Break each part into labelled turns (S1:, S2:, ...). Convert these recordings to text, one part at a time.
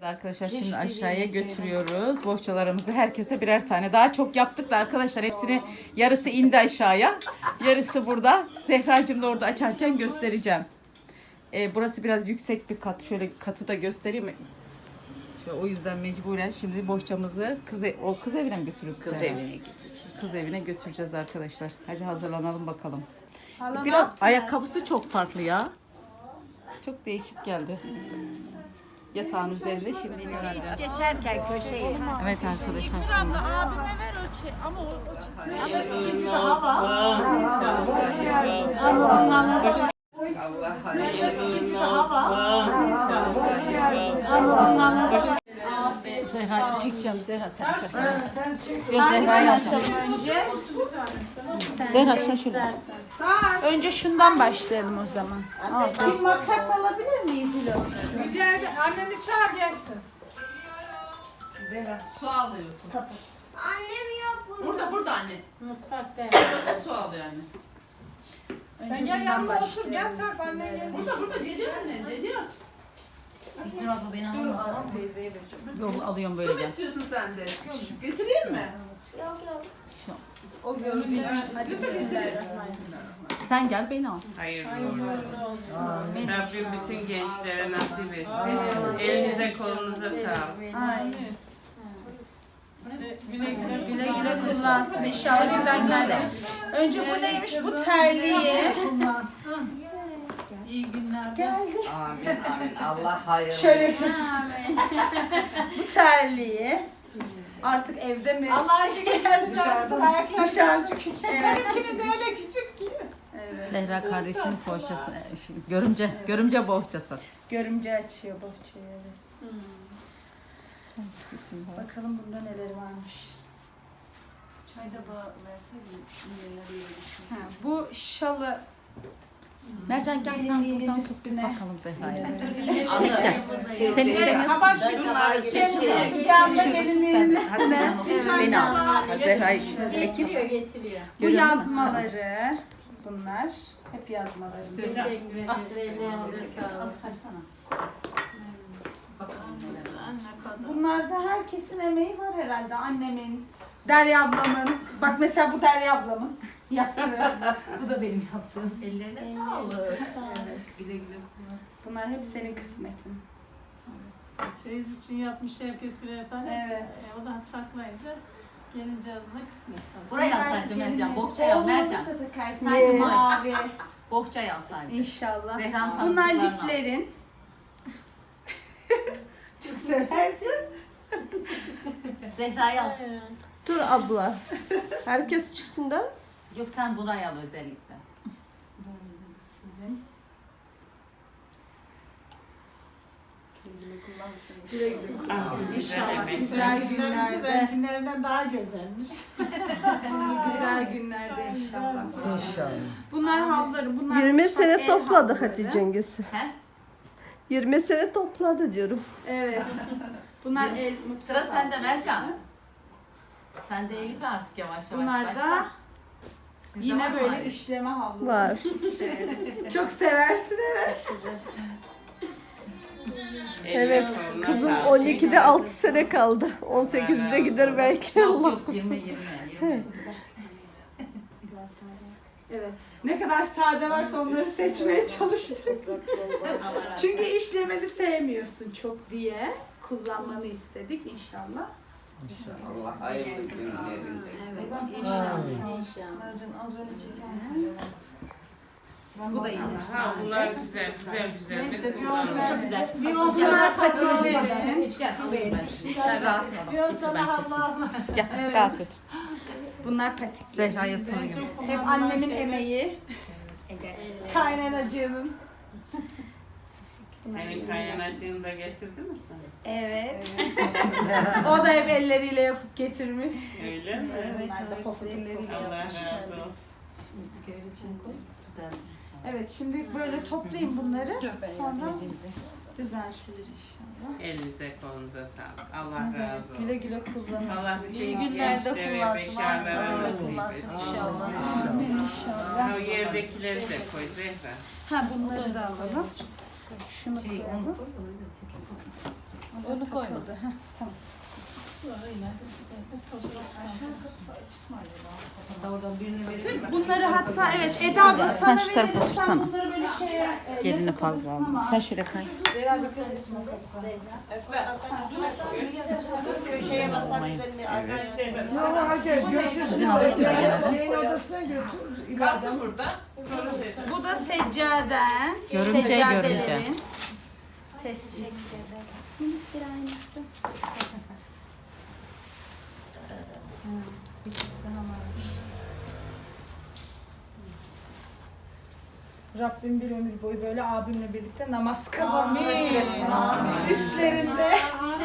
S1: Arkadaşlar şimdi aşağıya götürüyoruz. Bohçalarımızı herkese birer tane. Daha çok yaptık da arkadaşlar hepsini yarısı indi aşağıya. Yarısı burada. Zehracığım da orada açarken göstereceğim. Burası biraz yüksek bir kat. Şöyle katı da göstereyim. İşte o yüzden mecburen şimdi bohçamızı kız evine mi götürüyoruz?
S2: Kız evine gideceğiz.
S1: Kız evine götüreceğiz arkadaşlar. Hadi hazırlanalım bakalım. Biraz ayakkabısı çok farklı ya. Çok değişik geldi. Yatağın üzerinde şimdi iniyor.
S2: Geçerken köşeye.
S1: Evet arkadaşlar şimdi.
S3: Abime ver o şey ama o
S1: Zehra çekeceğim. Zehra sen Yok Zehra'yı yapacağım.
S3: önce.
S1: Zehra sen şöyle.
S3: Önce şundan başlayalım o zaman. Bir makas alabilir miyiz İlo? Anneni çağır gelsin.
S4: Su alıyorsun.
S5: Annem yok bunu.
S4: Burada anne.
S3: Mutfakta.
S4: Su alıyor anne.
S3: Sen gel yanıma otur gel sen anne gel.
S4: Burada geliyor anne geliyor.
S6: İlknur abla beni alma tamam mı?
S1: Yol alıyorum böyle
S4: Su mu
S1: gel.
S4: istiyorsun sen de? Getireyim mi?
S5: Yok yok.
S4: O görünüyor. İstiyorsa getireyim.
S1: Sen gel beni al.
S7: Hayırlı uğurlu olsun. Rabbim bütün gençlere nasip etsin. Elinize kolunuza sağlık.
S3: Güle güle kullansın inşallah güzel günlerde. Önce bu neymiş bu terliği. Kullansın. İyi günler. Geldi.
S2: Amin amin. Allah hayırlı.
S3: Şöyle bu terliği. Artık evde mi? Allah'a şükürler dışarıda küçük. Evet. Benimkinin de öyle küçük ki. Evet.
S1: Zehra kardeşinin bohçası. Görümce bohçası.
S3: Görümce açıyor bohçayı evet. Bakalım bunda neler varmış.
S6: Çayda verseydim neler yemişim.
S3: Bu şalı
S1: Mercan gel sen buradan tut biz
S3: üstüne.
S1: bakalım Zehra'ya.
S2: Sen
S1: istemiyorsun.
S2: Şunları köşeye.
S3: sıcağında gelinliğin üstüne.
S1: Beni al. Zehra'yı
S6: Getiriyor getiriyor.
S3: Bu yazmaları. Bunlar hep yazmaları.
S6: Teşekkür ederiz. Ellerinize sağlık.
S3: Bunlarda herkesin emeği var herhalde. Annemin, Derya ablamın. Bak mesela bu Derya ablamın yaptığı.
S6: Bu da benim yaptığım. Ellerine sağlık. Güle güle kullansın.
S3: Bunlar hep senin kısmetin.
S8: Çeyiz için yapmış herkes birer tane.
S3: Evet.
S8: Odan saklayınca gelince ağzına kısmet tabii.
S1: Buraya al sadece Mercan. Bohçaya al Mercan.
S3: Olursa takarsın.
S1: Sadece buraya.
S3: Mavi.
S1: Bohçaya al sadece.
S3: İnşallah.
S1: Zehra'nın
S3: Bunlar
S1: tanıdıklarını al.
S3: liflerin. Çok seversin.
S1: Zehra'yı al.
S9: Dur abla. Herkes çıksın da.
S1: Yok sen buraya al özellikle.
S3: Güle güle. İnşallah
S7: Güzel
S3: güzel günlerde.
S8: Benimkilerinden daha güzelmiş.
S3: Güzel günlerde inşallah.
S2: İnşallah.
S3: Bunlar havları. Bunlar
S9: 20
S3: mutfak
S9: sene
S3: el
S9: topladı
S3: havluları.
S9: Hatice Cengiz'i.
S1: He?
S9: 20 sene topladı diyorum.
S3: Evet. Bunlar el mutfak
S1: Sıra sende
S3: havluları.
S1: Mercan. Sen de Elif artık yavaş yavaş
S3: Bunlar
S1: başla.
S3: da
S1: Sizde
S3: yine
S1: var mı
S3: böyle
S1: aynı?
S3: işleme havluları.
S9: Var.
S3: Çok seversin evet.
S9: Evet. Kızım 12'de 6 sene kaldı. 18'de gider belki.
S1: Yok
S9: Allah.
S1: yok 20.
S3: Evet. Ne kadar sade varsa onları seçmeye çalıştık. Çünkü işlemeli sevmiyorsun çok diye kullanmanı istedik inşallah.
S2: Allah hayırlı günlerinde.
S3: İnşallah. Bu da yine
S7: Ha bunlar güzel güzel.
S8: Neyse bir
S7: Bunlar-
S8: olsa
S6: Çok güzel.
S8: Bir olsa
S3: Bunlar
S8: da
S3: patiklerin.
S1: Gel alayım ben. Sen rahatına bak.
S8: Bir
S1: Getir
S8: olsa
S1: ben
S8: da
S1: çekeyim.
S8: hava almaz.
S1: Gel rahat et.
S3: Bunlar patik.
S1: Zehra'ya soruyorum.
S3: Hep annemin emeği. Kaynanacığının.
S7: Senin kaynanacığını da getirdi mi sana?
S3: Evet. O da hep elleriyle yapıp getirmiş.
S7: Öyle mi?
S3: Bunlar da pofuduk elleriyle
S7: Allah
S3: yapmış.
S7: razı olsun.
S6: Şimdi böyle için koy. Güzel.
S3: Evet şimdi böyle toplayayım bunları. Sonra düzeltilir inşallah.
S7: Elinize kolunuza sağlık. Allah razı olsun.
S3: Güle güle kullanın.
S7: Allah bütün
S6: İyi günlerde
S7: gençlere,
S6: kullansın.
S7: bekarlara
S6: Ağızlarında
S7: nasip
S6: kullansın
S7: etsin.
S6: inşallah.
S3: İnşallah.
S7: O yerdekileri de koy Zehra.
S3: Ha bunları da alalım. Şunu
S6: Şey onu
S3: koyalım.
S6: koy da öyle tek.
S3: Onu koymadı. Tamam.
S6: Oradan birine verelim.
S3: Bunları hatta evet Eda abla sana
S1: şu tarafa
S3: verelim.
S1: otursana.
S3: Sen bunları böyle şeye
S1: Gelini fazla aldım. Sen şöyle kay.
S9: Köşeye basak
S1: Sizin alırsın.
S9: Şeyin odasına götür.
S4: Kalsın burada.
S3: Bu da seccaden.
S1: Görümce,
S3: seccadelerin
S1: görümce.
S3: Tesbih. Bir aynısı. Bir çift daha varmış. Rabbim bir ömür boyu böyle abimle birlikte namaz kılmamı nasip etsin. Üstlerinde.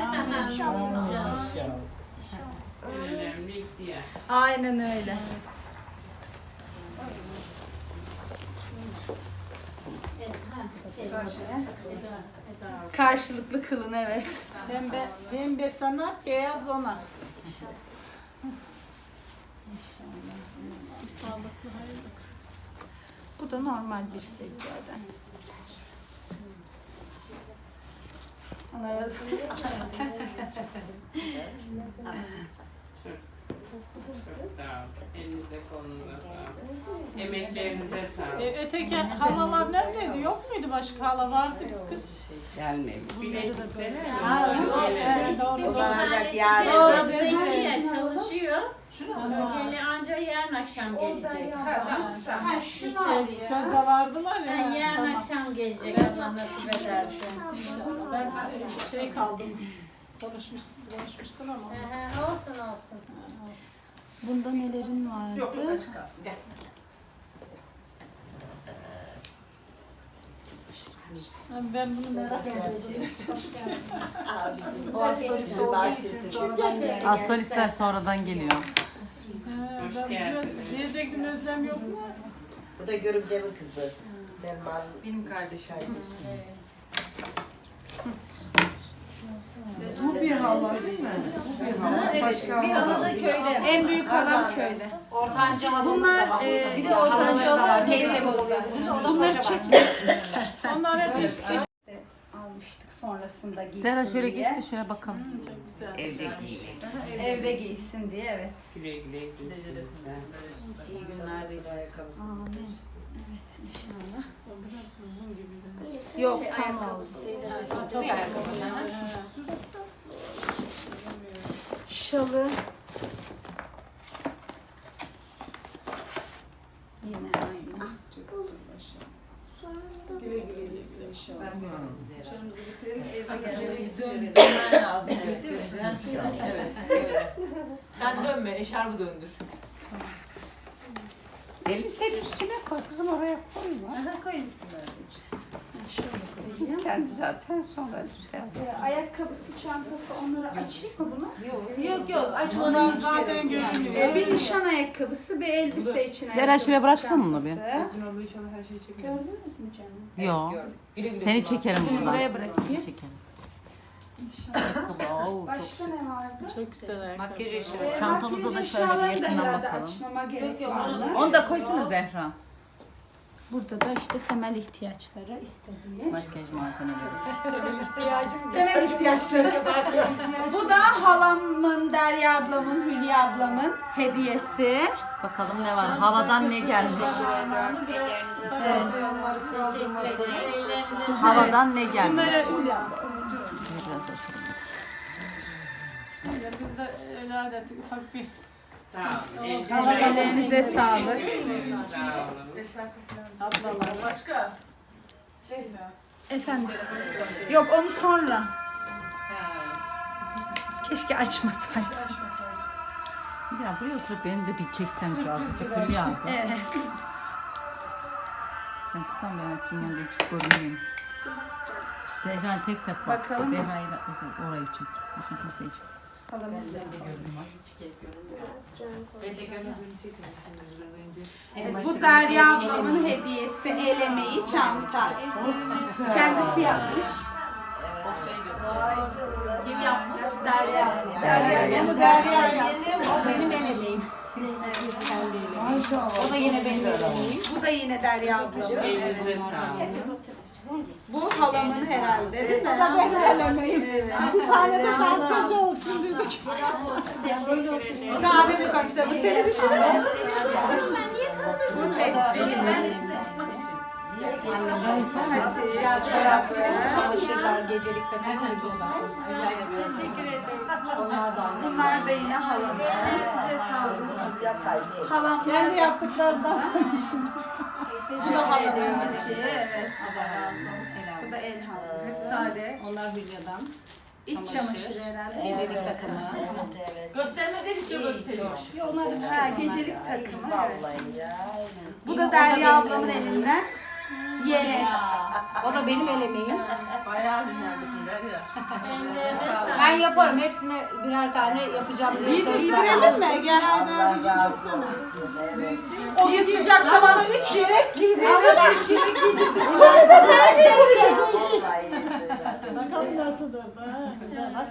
S7: En önemli ihtiyaç.
S3: Aynen öyle. Karşılıklı kılın evet.
S8: Pembe sana, beyaz ona. Sağlıklı, hayırlı.
S3: Bu da normal bir seccaden. Allah razı olsun.
S7: Çok sağ ol. Elinize kolunuza sağlık. Emeklerinize sağlık.
S8: Öteki halalar neredeydi? Yok muydu başka hala vardı kız?
S2: Gelmemiş.
S7: Bilezikleri mi?
S8: Ha, yok. Doğru.
S9: Kullanacak yarın.
S8: Doğru.
S6: Bekçiye çalışıyor. Gele anca yarın akşam gelecek.
S3: Ha, şunu
S8: Sözde vardılar ya.
S6: Yani yarın
S8: Tamam.
S6: akşam gelecek Allah nasip ederse.
S8: İnşallah. Ben şey kaldım. Konuşmuştun ama.
S6: Olsun olsun.
S3: Bunda nelerin vardı?
S4: Yok yok açık kalsın. Gel.
S8: Ben bunu merak ediyordum.
S9: O astrolojisi olduğu için sonradan geldi.
S1: Astrolistler sonradan geliyor.
S7: Hoş
S8: Ben
S7: geldiniz.
S8: diyecektim Özlem yok mu?
S9: Bu da görümcemin kızı. Selma.
S6: Benim kardeşim.
S9: Bu bir hala değil mi? Başka
S6: Bir hala da köyde.
S3: En büyük halam köyde.
S6: Ortanca halamız
S3: Bunlar,
S6: da var.
S3: bir
S6: Bir de ortanca halam teyze oluyor.
S3: Bunları çekiyorsun istersen.
S8: Onlar hep
S3: Almıştık sonrasında giysin
S1: Zehra şöyle
S3: diye.
S1: geçti şöyle bakalım.
S8: çok güzel.
S2: Evde giymek.
S3: Evde giysin diye evet.
S7: Güle güle gitsin.
S6: İyi günler dileriz.
S3: Amin. Evet inşallah.
S8: Biraz uzun gibi de.
S3: Yok tam oldu.
S6: Toplu ayakkabı.
S3: Şalı. Yine aynı.
S8: Güle güle gitsin inşallah.
S6: Çorumuzu bitirelim. Dönmen lazım. Evet. Öyle.
S4: Sen dönme, eşarbı döndür.
S2: Elbisenin üstüne koy kızım, oraya koyma.
S3: Şöyle koyayım.
S2: Kendi zaten sonra güzel.
S3: Ayakkabısı, çantası onları açayım mı bunu?
S6: Yok.
S3: Yok
S8: Onlar
S3: açmadan hiç
S8: zaten
S3: gerek yok.
S8: görünüyor.
S3: Bir nişan ayakkabısı, bir elbise için
S1: Zehra,
S3: ayakkabısı,
S1: şuraya bıraksana bunu bir.
S3: çantası.
S4: Abla inşallah her şeyi çekelim.
S3: Gördünüz mü canım?
S1: Yok.
S4: Güle güle.
S1: Seni çekerim
S3: Bunu
S1: buradan.
S3: buraya bırakayım.
S1: Çekerim. Ayakkabı, oo, çok
S3: Başka
S1: şık.
S3: ne vardı?
S8: Çok güzel ayakkabı.
S6: Makyaj eşya.
S1: Çantamıza da
S3: Makyaj
S1: şöyle bir
S3: eşyalarını da
S1: yakından
S3: herhalde
S1: bakalım.
S3: açmama gerek
S6: Yok,
S3: var
S6: onu-
S3: mı?
S1: Onu da koysana Zehra.
S3: Burada da işte temel ihtiyaçları istediğim.
S1: Makyaj malzemeleri.
S3: Temel ihtiyaçları. Bu da halamın, Derya ablamın, Hülya ablamın hediyesi.
S1: Bakalım ne var? Haladan ne gelmiş? Haladan ne gelmiş?
S3: Bunları
S1: Biraz açalım.
S8: Öyle bizde öyle adet ufak bir
S7: Sağ olun.
S3: Ellerinize sağlık.
S7: Sağ olun.
S8: ablalar.
S4: Başka?
S3: Efendim. Yok onu sonra. Keşke açmasaydım.
S1: Ya buraya oturup beni de bir çeksen ki azıcık Hülya.
S3: Evet.
S1: Sen tutan ben açayım yanında hiç görünmeyeyim. Zehra tek tek bak.
S3: Bakalım.
S1: Zehra'yı da orayı çek. Başka kimseyi çek.
S3: Halamız da.
S4: Ben de görmedim.
S3: Bu Derya ablamın hediyesi. El emeği çanta. Kendisi yapmış.
S4: Kim yapmış?
S3: Derya.
S6: Bu Derya yeni, o benim emeğim. O da yine benim emeğim.
S3: Bu da yine Derya ablacığım.
S7: Elinize sağlık.
S3: Bu halamın herhalde değil mi?
S8: Ben elemeyiz. Bir tane de bastonlu olsun dedik.
S3: Sade de koymuşlar. Bu seni düşünün. Bu tespih. Hatice çorabı.
S6: Çalışırlar gecelik takım çocuklar. Onlar da anne.
S3: Bunlar da yine halamın. Halam.
S8: Kendi yaptıklarından.
S3: Bu da halamın. Evet.
S6: Allah razı olsun.
S3: Bu da el halı. Hep sade.
S6: Onlar Hülya'dan.
S3: İç çamaşırı herhalde.
S6: Gecelik takımı.
S1: Göstermedikçe gösteriyor.
S6: Yok onlar da bir şey
S3: Ha,
S6: yok.
S3: gecelik takımı. Evet. Bu da Derya ablamın elinden. Yelek.
S6: O da benim elemeğim.
S7: Bayağı hünerlisin Derya.
S6: Ben yaparım. Hepsine birer tane yapacağım diye söz verdim.
S3: Giydirelim mi? Gel. O sıcakta bana 3 yelek giydirdin.
S6: Ben 3 yere giydim.
S8: Bakalım nasıldır. Ha, güzel. Bak.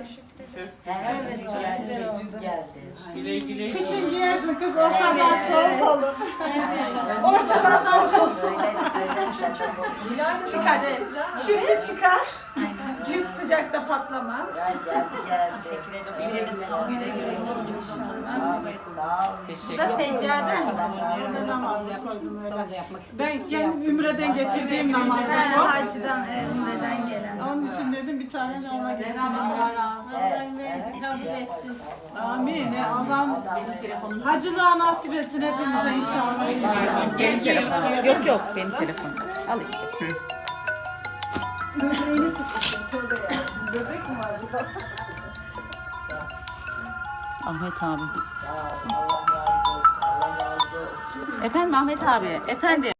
S7: Güle güle.
S8: Kışın giyersin kız ortadan soğuk olur.
S3: Ortadan soğuk olsun. Çıkar. Evet. Şimdi çıkar. Yüz sıcakta patlama.
S6: Güle güle. Güle güle.
S3: Bu da seccaden.
S6: Sana da yapmak istedim.
S8: Ben kendim Ümre'den getirdiğim namazda bu.
S3: Hacıdan, Umre'den gelen.
S8: Onun için dedim bir tane de ona getirdim. Amin. Allah'ım hacılığa nasip etsin hepimize inşallah.
S1: Benim telefonum. Yok benim telefonum. Alayım.
S8: Böbreğini sıkıştım. Tövbe ya. Böbrek mi var acaba?
S1: Ahmet abi. Efendim Ahmet abi. Efendim.